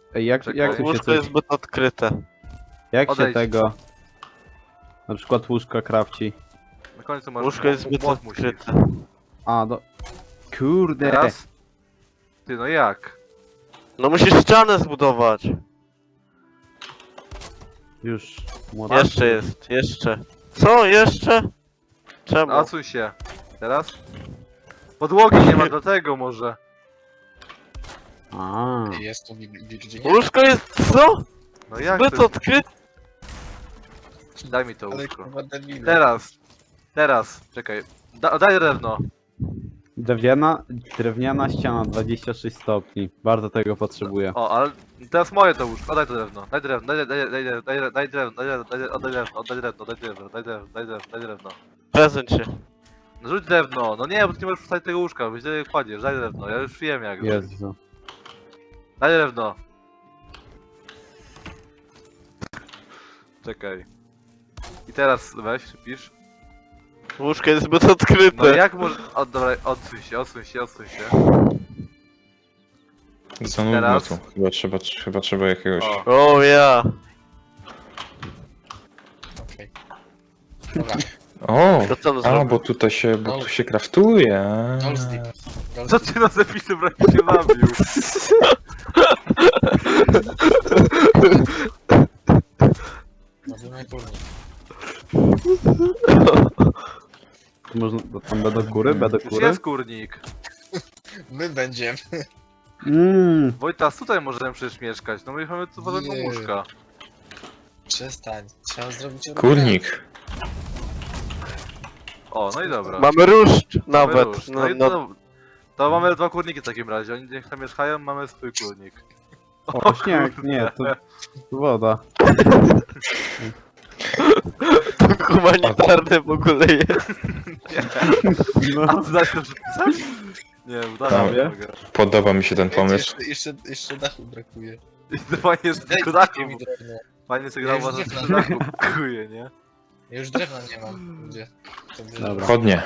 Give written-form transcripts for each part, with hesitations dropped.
Ej, jak Czekaj, tu się Łóżko coś... jest zbyt odkryte. Jak się Odejdź. tego... Na przykład łóżka krawci. Na końcu masz Łóżko jest zbyt młot musisz. odkryte. A, do... Kurde! Teraz? Ty, no jak? No musisz ścianę zbudować. Już... młot- Jeszcze jest, jeszcze. Co? Jeszcze? Czemu? No, odsuń się. Teraz? Podłogi nie ma, dlatego może. A. Jest tu Virginia. Łóżko jest co? No jak Zbyt to? odkryte. Daj mi to Ale łóżko. kurwa debil. Teraz, czekaj. Daj drewno. Drewniana ściana 26 stopni. Bardzo tego potrzebuję. O, ale teraz moje to łóżko. Daj to drewno. Daj drewno, daj drewno, daj drewno. Prezencie. No rzuć drewno. No nie, bo ty nie możesz wstawić tego łóżka, bo źle kładziesz. Daj drewno, ja już wiem jak. Jezu. Daj drewno. Czekaj. I teraz weź, pisz. Łóżko jest zbyt No odkryte. jak może... O, dobra, odsuń się. Za nudno Teraz? tu. Chyba trzeba jakiegoś... O. O ja. Okej. Dobra, O! To co on A, zrobił? bo tutaj się, tu się kraftuje. Gold Deep. Co ty na zapisy prawie się bawił? Robimy turniej. Można... Tam B do góry? B do Już góry? jest kurnik. My będziemy. Wojtas, tutaj możemy przecież mieszkać. No my mamy tu wolnego Nie. łóżka. Przestań. Trzeba zrobić Kurnik. O, no i dobra. Mamy różdż Mamy nawet. róż. No, No i no, to mamy dwa kurniki w takim razie. Oni niech tam mieszkają, mamy swój kurnik. O, śnieg, nie, to woda. humanitarne w ogóle jest. No, A ty dasz to przepisać? Nie, udało Tam. nie mogę. Podoba mi się ten pomysł. Jeszcze dachu brakuje. Fajnie jest tylko Daj dachu. mi drewno. Fajnie sobie Ja grał, już że nie tylko dachu brakuje, nie? Ja już drewna nie mam. Gdzie? To bierze. Dobra. Chodnie.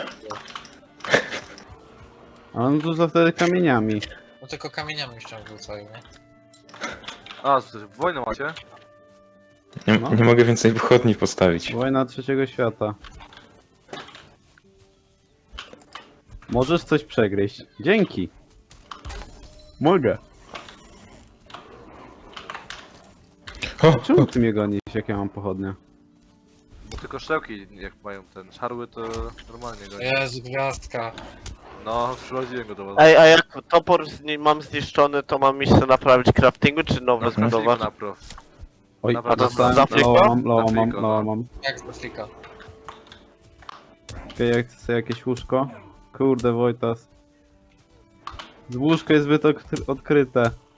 a on tu za wtedy kamieniami. No tylko kamieniami się wrzucają, nie? A, co ty, wojnę macie? Nie, No. nie mogę więcej wychodni postawić. Wojna trzeciego świata. Możesz coś przegryźć. Dzięki. Mogę. O, Czemu ty mnie gonisz, jak ja mam pochodnie? Bo tylko szczełki jak mają ten szarły to normalnie go. Jezu, gwiazdka. No, przychodziłem go do was. Ej, a jak topor mam zniszczony, to mam iść sobie naprawić craftingu, czy nowe Mhm. zbudować? Napraw. Oj, Dobra, dostałem, za Afriką? loa mam, Afriką, loa no. mam. Jak z Afrika? Czekaj, jak chcę sobie jakieś łóżko? Kurde, Wojtas. Łóżko jest zbyt odkryte.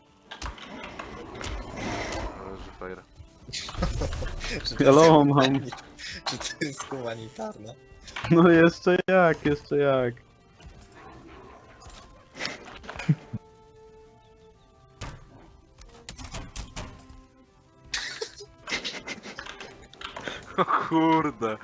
Leży fajer. Czy to Hello, jest mam. Czy to jest humanitarne? No jeszcze jak. O kurde.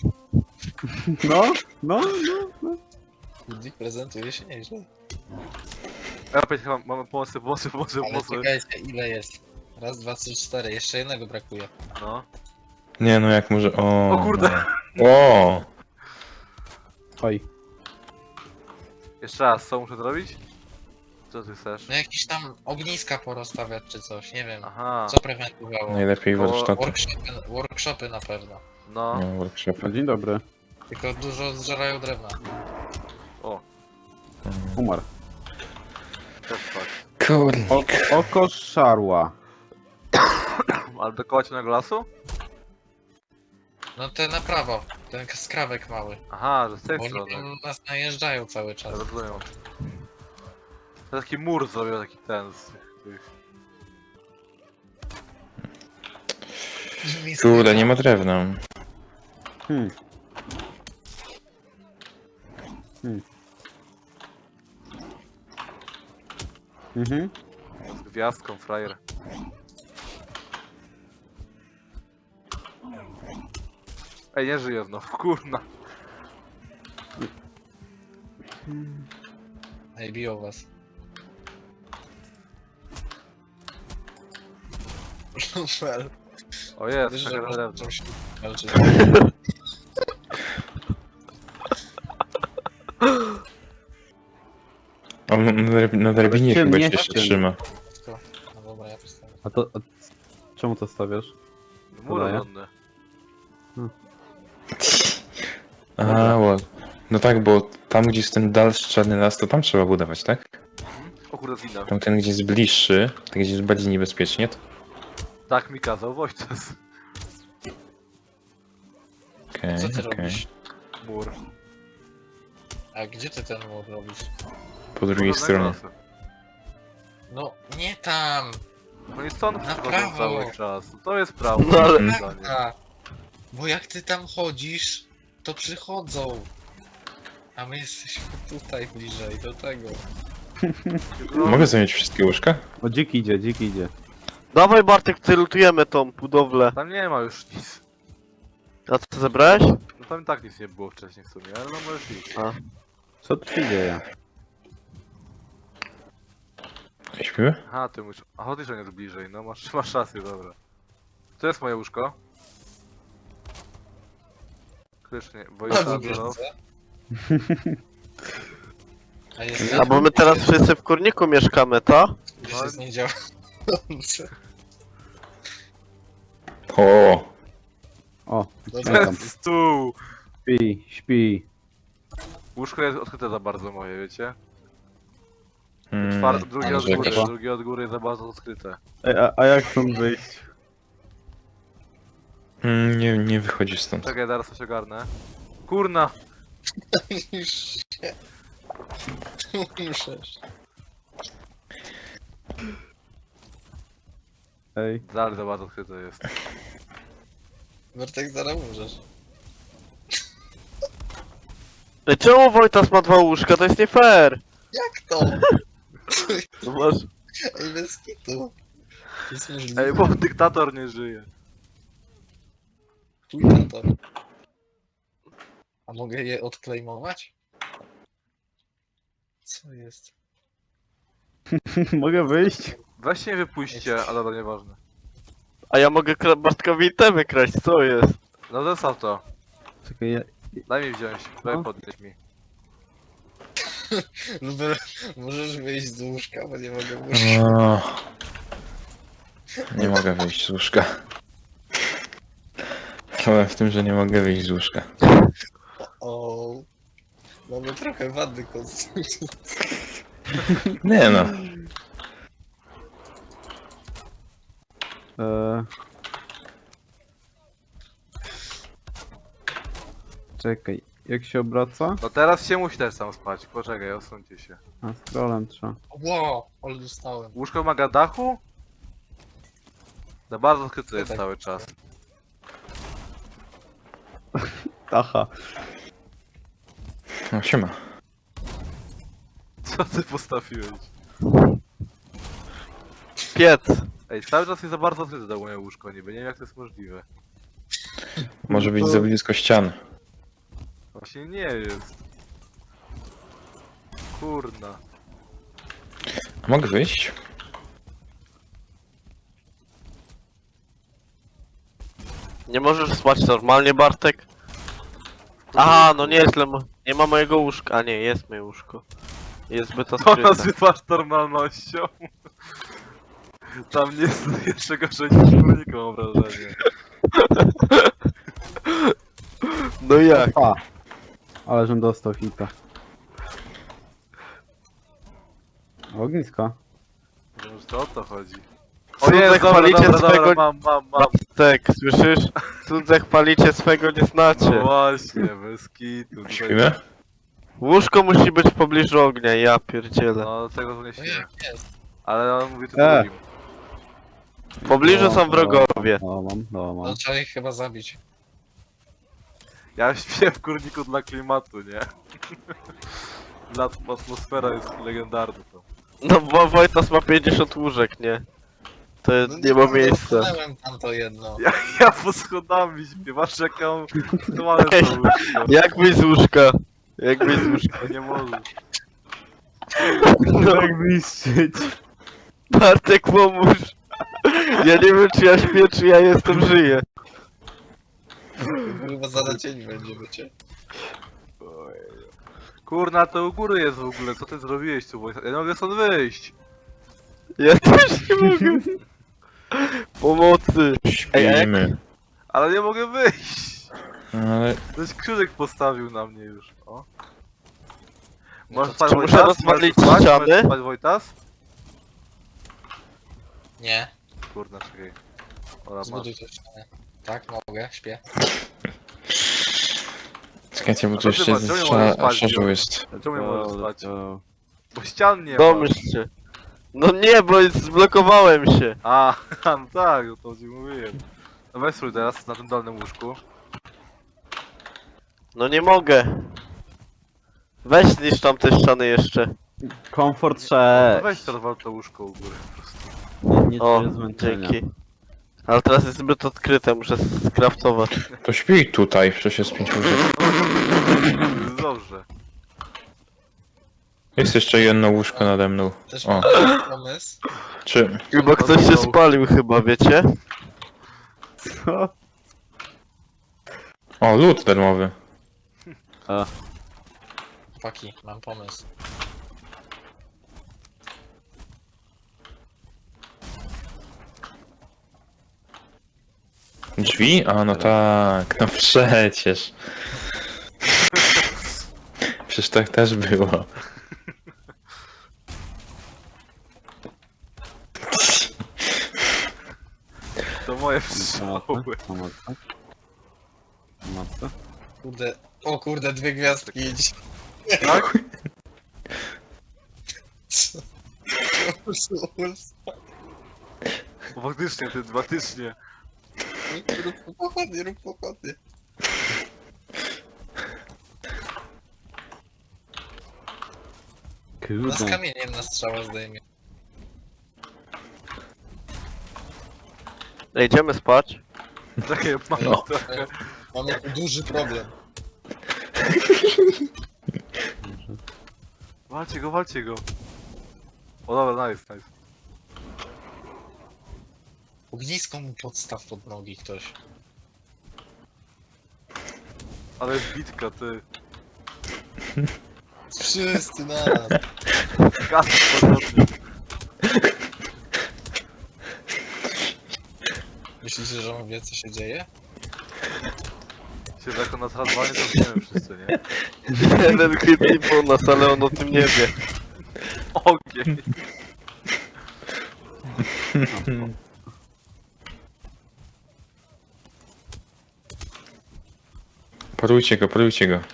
No. Budzik prezentuje się nieźle. Ja opять chyba mamy pomocy. Ale czekajcie, ile jest? Raz, dwa, trzy, cztery. Jeszcze jednego brakuje. No. nie no jak może... O, O kurde. No. O! Oj. Jeszcze raz, co muszę zrobić? Co ty chcesz? No jakieś tam ogniska porozstawiać czy coś, nie wiem. Aha, Co prewentowało? Najlepiej warsztaty. Workshopy na pewno. no. No, workshopy. Dzień dobry. Tylko dużo zżerają drewna. O, Umarł. też fakt. Kurnik. Oko szarła. Ale do kołacionego lasu? No te na prawo, ten skrawek mały. Aha, że z tej Bo oni strony. tam nas najeżdżają cały czas. Rozumiem. To taki mur zrobił, taki ten z tych... Kurde, nie ma drewna. Hmm. Mhm. z gwiazdką, frajer. Ej, nie żyję znowu, kurna. Ej, biją was. Lufel. O jest, Wiesz, taka że można drewno. czymś walczyć. On na drabinie chyba się Ciemnieście. trzyma. No dobra, ja postawię. A czemu to stawiasz? Mur Podaję. obronny. A, no tak, bo tam gdzie jest ten dalszy czarny las, to tam trzeba budować, tak? O kurde, zginę. Tam ten gdzie jest bliższy, tak gdzie jest bardziej niebezpiecznie, to... Tak mi kazał Wojtas. Okej, Co ty okej. robisz? Mur. A gdzie ty ten mur robisz? Po drugiej stronie. No, nie tam! No i stąd Na przychodzą prawo. cały czas. To jest prawo. No ale- moim zdaniem. A, bo jak ty tam chodzisz, to przychodzą. A my jesteśmy tutaj bliżej do tego. Mogę zająć wszystkie łóżka? O, dzik idzie, dzik idzie. Dawaj Bartek, celutujemy tą budowlę. Tam nie ma już nic. A co zebrałeś? No tam i tak nic nie było wcześniej w sumie, ale no możesz iść. Co tu się dzieje? Śpimy? Aha, ty musisz... Aha, ty się nie jest bliżej, no masz rację, dobra. To jest moje łóżko. Krycznie, A Wojtas, lubisz, no. co? A jest A bo my teraz wszyscy w kurniku mieszkamy, to? Już jest niedziałające. O, O, Dobra, tam. Stół! Śpi, śpi. Łóżko jest odkryte za bardzo moje, wiecie? mm, Drugie ale od że góry, jakaś- drugie od góry jest za bardzo odkryte. Ej, a jak stąd wyjść? nie wychodzi stąd. Czekaj, zaraz coś ogarnę. Kurna! już się. Muszę. Ej, Dalej za bardzo odkryte jest. Bartek, zaraz umrzesz. Ej, czemu Wojtas ma 2 łóżka? To jest nie fair! Jak to? No masz... Ej, bez kitu. To jest możliwe. Ej, bo dyktator nie żyje. Chuj na to. A mogę je odklejmować? Co jest? mogę wyjść? Weźcie mnie wypuśćcie, ale to nieważne. A ja mogę Bartkowi itemy kraść, co jest? No zostaw to. Czekaj, Daj mi wziąć, daj No. podnieść mi. Lubel, możesz wyjść z łóżka, bo nie mogę wyjść. O, nie mogę wyjść z łóżka. Problem w tym, że nie mogę wyjść z łóżka. O, mamy trochę wady konstrukcji. Nie no. Czekaj, jak się obraca? No teraz się musi też sam spać, poczekaj, odsuńcie się. A, scrollem trzeba. Wow, ale dostałem. Łóżko wymaga dachu? Za bardzo odkryte jest Tak. cały czas. Tacha. No siema. Co ty postawiłeś? Piec. Ej, cały czas jest za bardzo odkryte to moje łóżko, niby nie wiem jak to jest możliwe. Może być za blisko ścian. Właśnie nie jest. Kurna. A mogę wyjść? Nie możesz spać normalnie, Bartek? Aha, no nieźle, nie ma mojego łóżka. A nie, jest moje łóżko. Jest zbyt To odkryte. nazywasz normalnością? Tam nie jest jeszcze gorzej niż kurnika, mam wrażenie. No jak? A! Ale żem dostał hita. Ognisko. Może to o to chodzi. Cudze dobra, chwalicie dobra, swego... dobra, mam. Bartek, słyszysz? Cudze chwalicie swego nie No znacie. właśnie, bez kitu. tutaj- Śpimy? Łóżko musi być w pobliżu ognia, ja pierdzielę. No, tego to nie No śmieję. jak jest? Ale on mówi tu E. drugim. W pobliżu są wrogowie. No mam, no mam. No trzeba ich chyba zabić. Ja śpię w kurniku dla klimatu, nie? Dla atmosfera jest legendarna to. No bo Wojtas ma 50 łóżek, nie? To No nie ma miejsca. Dotknąłem tam to jedno. Ja pod schodami śpię, patrz jaką aktualne to łóżko. Jak wyjść z łóżka? Jak wyjść z łóżka? Nie możesz. No, Jak zniszczyć? Bartek pomóż. Ja nie wiem czy ja śpię, czy ja jestem żyję. Chyba za dzień będzie, wiecie. Kurna, to u góry jest w ogóle, co ty zrobiłeś tu, Wojtas? Ja nie mogę stąd wyjść. Ja też nie mogę. Pomocy. Śpimy. Ale nie mogę wyjść. Ale Ktoś krzyżyk postawił na mnie już, o. No Możesz to spać, czy muszę Wojtas? rozwalić Możesz spać? ściany? Możesz spać, Wojtas? Nie, Kurna, czekaj. Ola, masz. zbuduj to ścianę. Tak, mogę, śpię. czekajcie, bo A tu to jeszcze ty masz, czemu nie możesz spać, szarżu Dio? jest. Czemu nie możesz Go, spać? go. Bo ścian nie ma. Domyśl się. No nie, bo zblokowałem się. A, no tak, o to ci mówiłem. No weź spróbuj teraz na tym dolnym łóżku. No nie mogę. Weź zniszcz tam te ściany jeszcze. Komfort No 6. weź to rozwal to łóżko u góry po prostu. Nie O, czuję zmęczenia. dzięki. Ale teraz jest zbyt odkryte, muszę skraftować. To śpi tutaj, przecież jest 5 łóżek. Jest dobrze. Jest jeszcze jedno łóżko nade mną. Też O, mam pomysł. czy... Chyba ktoś się spalił chyba, wiecie? Co? O, lód darmowy. A, Chłopaki, mam pomysł. Drzwi? A, no tak, no przecież. Przecież tak też było. To moje pomocy, pszczoły. pomocy. Pomocy. Kurde, o kurde, 2 gwiazdki idź. Tak? Faktycznie, ty, faktycznie. Rób pochodnie, rób pochodnie. No z Kurde. kamieniem na strzała zdejmie. Ej, idziemy spać. Czekaj, mam No. trochę. Mamy tu duży problem. Walcie go, walcie go. O dobra, nice, nice. Ognisko mu podstaw pod nogi ktoś. Ale jest bitka, ty. Wszyscy na nas. Gaz podnosi. Myślicie, że on wie co się dzieje? Się jako nas razwanie to wiemy wszyscy, nie? Jeden chytli po nas, ale on o tym nie wie. Ogień. Porujcie go, porujcie go.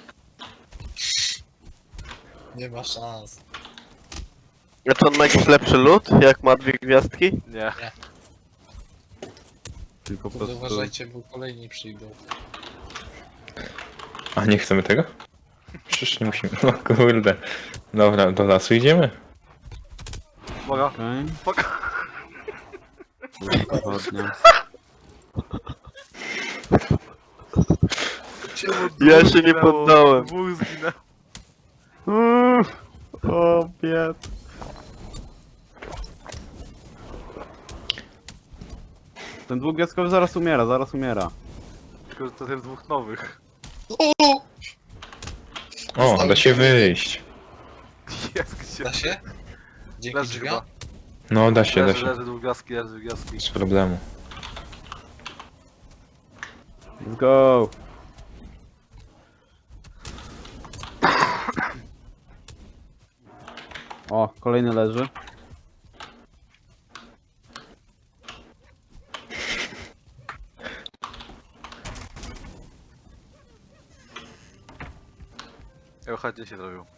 Nie ma szans. A czy on ma jakiś lepszy lód, jak ma 2 gwiazdki? Nie. Tylko po Kurde, prostu... uważajcie, bo kolejni przyjdą. A nie chcemy tego? Przecież nie musimy. O kurde. Dobra, do lasu idziemy? Uwaga. Okej. Fuck. Pochodnia. Ja się nie poddałem. Dwóch zginęło. O, bied. Ten dwugwiazdkowy zaraz umiera, zaraz umiera. Tylko, że to jest dwóch nowych. O, da się wyjść. Jest gdzie? Da się? Dzięki Leży drzwiom? chyba. No, da się, da Leży, się. leży długaski, leży długaski. Bez problemu. Let's go. O, kolejny leży. Ja chyba gdzie się zrobił.